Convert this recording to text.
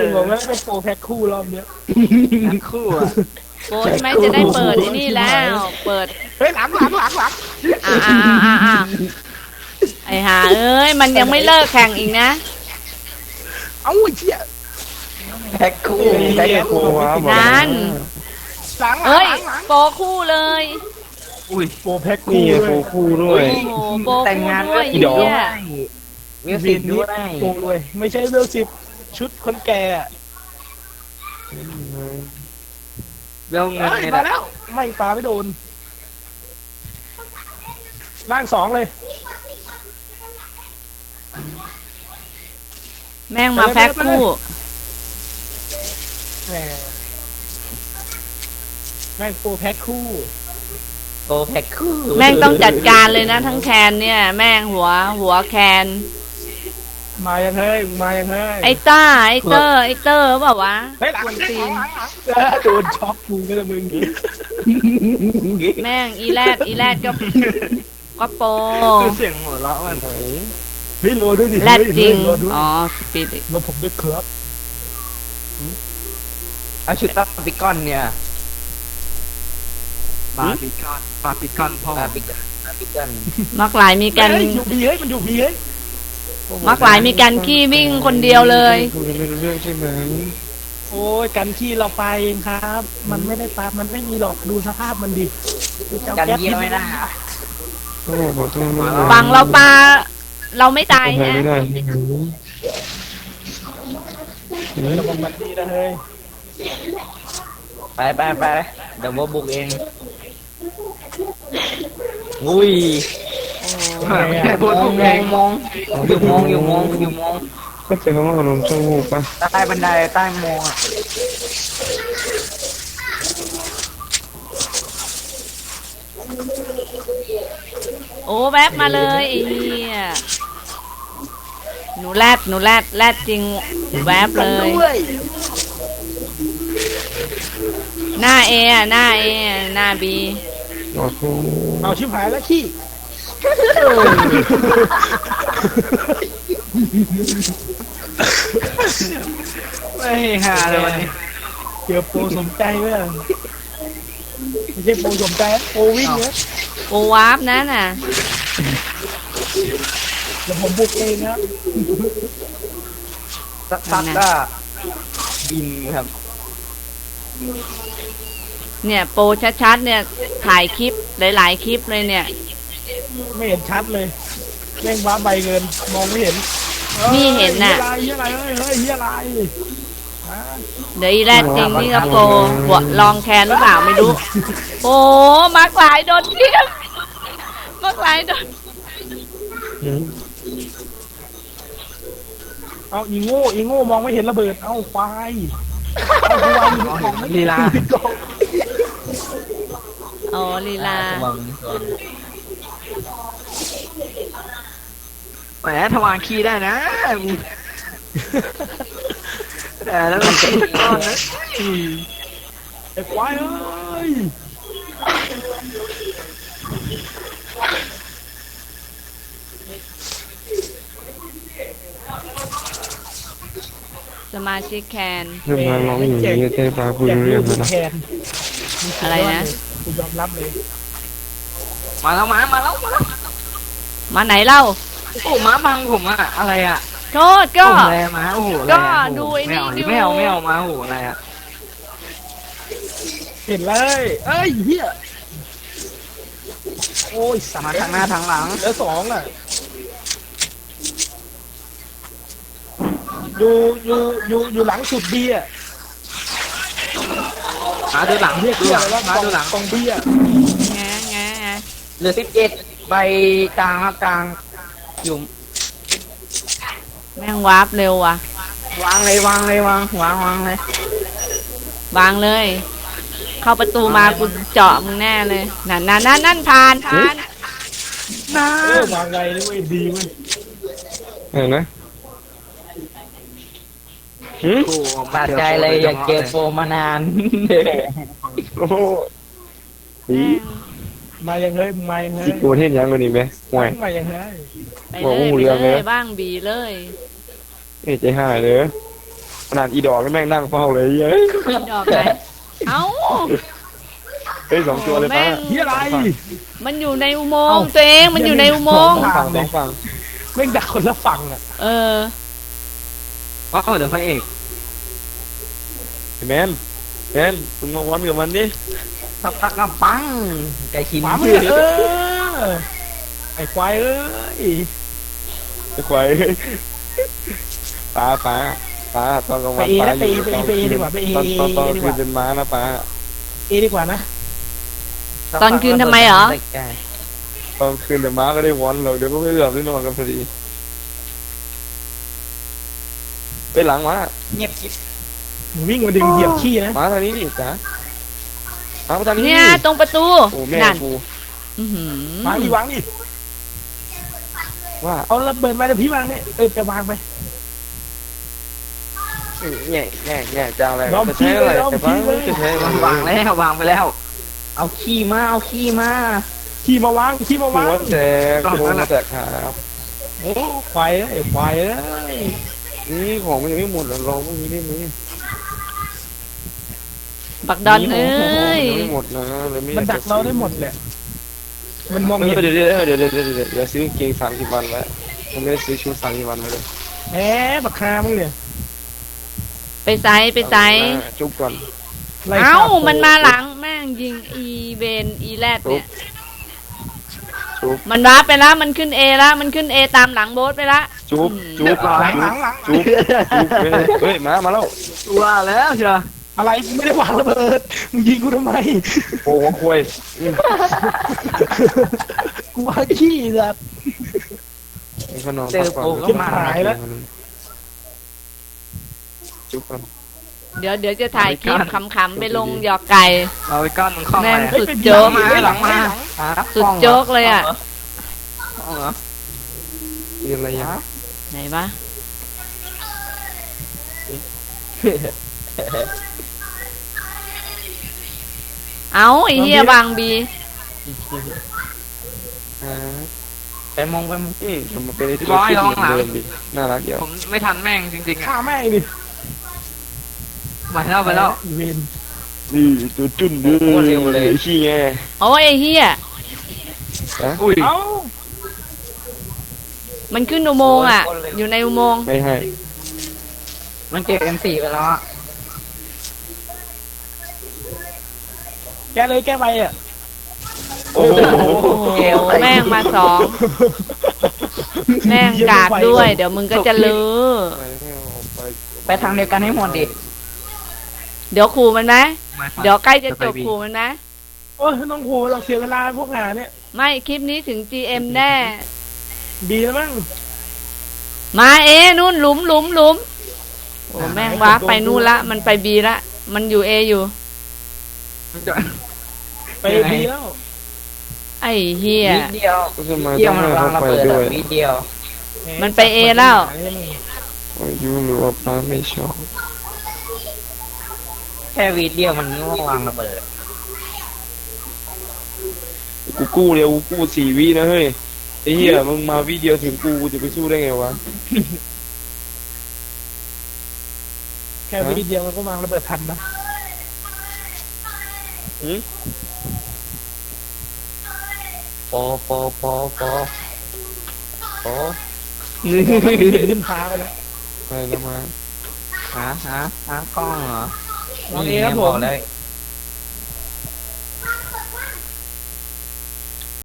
ถึงบอกว่าเป็นโปรแพ็คคู่รอบเนี้ยทั้งคู่อ่ะโปรใช่ไหมจะได้เปิดไอ้นี่แล้วเปิดเฮ้ยหลังอ่าไอ้ห่าเอ้ยมันยังไม่เลิกแข่งอีกนะเอ้าเชี่ยแพ็คคู่แพ็คคู่นั่นหลังเอ้ยโปรคู่เลยอุ้ยโปรแพ็คนี่คู่ไงโฟคู่ด้วยโอ้โหโปรแต่งคู่งานด้วยอีดอกเนี่ยมิวสิกด้วยโปรเลยไม่ใช่เวลสิบชุดคนแก่เวลเงินเฮ้ยเนี่ยมาแหละแล้วไม่ปาไม่โดนล่างสองเลยแม่งมาแพ็คคู่แหมแม่งโปรแพ็คคู่โอ้แพ็คคู่แม่งต้องจัดการเลยนะทั้งแคนเนี่ย แม่งหัวแคนมายังเฮ้ยมายังเฮ้ยไอ้ต้าไอ้เตอร์เปล่าวะเฮ้ยหลังกวนตีนโดนช็อกกูก็จะมึงแม่งอีแรดก็โปรคือเสียงหัวเราะมันเฮ้ยโลด้วยดิแรดจริงโลด้วยอ๋อสปีดโลผมด้วยครับเอาชุดตับปิกอนเนี่ยบาร์บีคอนพ่อบาร์บีคอนมักหลายมีกันเฮ้ยอยู่บีเฮ้ยมันอยู่บีเฮ้ยมักหลายมีกันขี้วิ่งคนเดียวเลยคุยกันไม่รู้เรื่องใช่ไหมโอ้ยกันที่เราไปเองครับ มันไม่ได้ปามันไม่มีหรอกดูสภาพมันดิดูเจ้ากันแก๊สเยี่ยมไม่ได้โอ้บอกตรงนั้นฝั่งเราปลาเราไม่ตายทำไมนะไม่ได้ที่หูระวังมันดีนะเฮ้ยไปเดี๋ยวว่าบุกเองอุ้ยมองก็เจอคำว่าขนมชมูกปะใต้บันไดใต้มองอ่ะโอ้แวบมาเลยไอ้เหี้ยหนูแรดจริงแวบเลย หน้าเอหน้าบีบอกกูเอาชิบหายแล้วขี้ไม่หาเลยวันนี้เจอโปรสมใจไหมล่ะไม่ใช่โปรสมใจโปรวิ่งเนี่ยโอวาร์ปนั่นน่ะเดี๋ยวผมบุกเองครับสักพักก็บินครับเนี่ยโปรชัดๆเนี่ยถ่ายคลิปหลายๆคลิปเลยเนี่ยไม่เห็นชัดเลยแม่งว้าใบเงินมองไม่เห็นนี่เห็นน่ะเฮียอะไรเฮ้ยเฮียอะไรเดี๋ยวอีแรดจริงนี่ก็โปรหัวลองแคนหรือเปล่าไม่รู้โอ้มักหลายโดนเทียบมักหลายโดนเอาอีโง่มองไม่เห็นระเบิดเอาควายเอาควายอยู่ในกล่องไม่ลีลาอยู่ในกล่องอ๋อลีลาแหมทวารขี้ได้นะแต่แล้วมันเป็นก้อนนะไอ้ควายเอ้ยสมาชิกแคนเรื่องมาร้องอย่างนี้เต้ปลาคุยรู้เรื่องแล้วนะแทนอะไรนะกูยอมรับเลยมาแล้วมาไหนเล่าโอ้ม้าบังผมอะอะไรอะโทษก็อะไรม้าโอ้โหอะไรอะก็ดูไอ้นี่ดูไม่เอาม้าโอ้โหอะไรอะเห็นเลยเอ้ยเฮียโอ้ยสามมาทางหน้าทางหลังเหลือสองอ่ะอยู่หลังสุดเบียร์มาดูหลังเรียกดูเรียหกลังอะไรว่ามาดูหลังกองเบียร์แงเหลือ11ใบกลางครับกลางอยู่แม่งวาร์ปเร็วว่ะวางเลยวางเลย เข้าประตูมากูเจาะมึงแน่เลยนั่นผ่านน้าวางไงนี่เว้ยดีเว้ยเห็นไหมโอ้บาดใจเลยอยากเจอโฟมานานโอ้โหแม่งมายังเฮ้ยมายังเฮ้ยอีกตัวเทศยังกว่านี้ไหมห่วยมายังเฮ้ยไปบอกเลว่าหูยเรืองเลยบ้างบีเลยเอ้ใจหายเลยมขนาดอีดอกก็แม่งนั่งเฝ้าเลยเฮ้ยดอกไหนเอ้าเฮ้ย2ตัวเลยแม่ป้างที่อะไรมันอยู่ในอุโมงค์ตัวเองมันอยู่ในอุโมงค์ 2ฝั่งแม่งดักคนละฝั่งอ่ะเออว้าวเดี๋ยวพระเอกแมนมึงมาวันกับมันดิสักพักก็ปังไก่ขินหมาไม่ชื่อไอ้ควายเอ้ยไอ้ควายป้าตอนกลางวันป้าอยู่ตอนคืนเป็นม้านะป้าดีกว่านะตอนคืนทำไมเหรอตอนคืนเดี๋ยวม้าก็ได้วอนเราเดี๋ยวก็ไม่เหลือได้นอนกันพอดีไปหลังม้าเงียบกิ๊บหนูวิ่งมาดึงเหยียบขี้นะม้าทางนี้ดิจ๋าม้าทางนี้เนี่ยตรงประตูโอ้แม่นั่นกูอื้อหือวางดิวางดิว่าเอาระเบิดมาเดี๋ยวพี่วางเนี่ยไปวางไปแง่จะอะไรจะใช้อะไรแต่ป้าจะใช้วางแล้ววางไปแล้ว เอาขี้มาเอาขี้มาขี้มาวางขี้มาหัวางวแตกหัวแตกครับโอ้ควายเอ้ยควายเอ้ยนี่ของมันยังไม่หมดลองพวกนี้ได้ไหมบักดอนเอ้ยยังไม่หมดนะเลยไม่มันดักเราได้หมดแหละมันมองเห็นเดี๋ยวซื้อกางเกง30 วันแล้วผมไม่ได้ซื้อชุด30 วันมาเลยแหมบักคามึงเนี่ยไปไซจุ๊บก่อนไล่เอ้าฆ่มันมาหลังแม่งยิงอีเวนอีแรดเนี่ยจุ๊บมันรับไปแล้วมันขึ้นเอแล้วมันขึ้นเอตามหลังโบ๊ทไปละจุ๊บหลังจุ๊บเฮ้ยมาแล้วว่าแล้วเชียวอะไรกูไม่ได้วางระเบิดมึงยิงกูทำไมโอ้โหควยกูวางขี้แบบก็นอนพักก่อนจุ๊บก่อนเดี๋ยวจะถ่ายคลิปขำๆไปลงหยอกไก่เอาไปก้อนมันคล้องแม่งมาสุดโจ๊กมาหลังมาสุดโจ๊กเลยอ่ะเหรอมีอะไรอย่างไหนวะเอาไอ้เหี้ยบางบีไปมองมันเป็นที่เดิมดิน่ารักเดียวผมไม่ทันแม่งจริงๆอ่ะฆ่าแม่งดิไปแล้วอีเวนนี่ตัวจุ่นดื้อขี้แงโอ้ยไอ้เหี้ยอุ้ยเอ้ามันขึ้นอุโมงค์อ่ะ อยู่ในอุโมงค์ไม่ให้มันเก็บ M4 ไปแล้วอ่ะแกเลยแกไปอ่ะโอ้โหโอ้แม่งมาสองแม่งกากด้วย เดี๋ยวมึงก็จะลือไปทางเดียวกันให้หมดดิเดี๋ยวขู่มันไหมเดี๋ยวใกล้จะจบขู่มันไหมโอ้ยน้องโหเราเสียเวลาพวกงานเนี่ยไม่คลิปนี้ถึง GM แน่ดีแล้วมั้งมาเอนู่นหลุมโอ้แม่งว้าไปนู่นละมันไปบีละมันอยู่เออยู่ไปดีแล้วไอ้เฮียนิดเดียวก็จะมาเที่ยต้วองมันให้วางเขาระไปเบิดด้วยนิดเดียวมันไปเอแล้วยูหรือว่าป้าไม่ชอบแค่วีดเดียวมันก็วางระเบิดกูกู้เร็วกูกู้4 วินะเฮ้ยไอ้เหี้ยมึงมาวิเดียวถึงกูจะไปสู้ได้ไงวะแค่วิดีเดียวมันก็วางระเบิดทันนะปอขึ้นฟ้าไปแล้วไปแล้วมาหากล้องเหรอวางเอครับผมเลย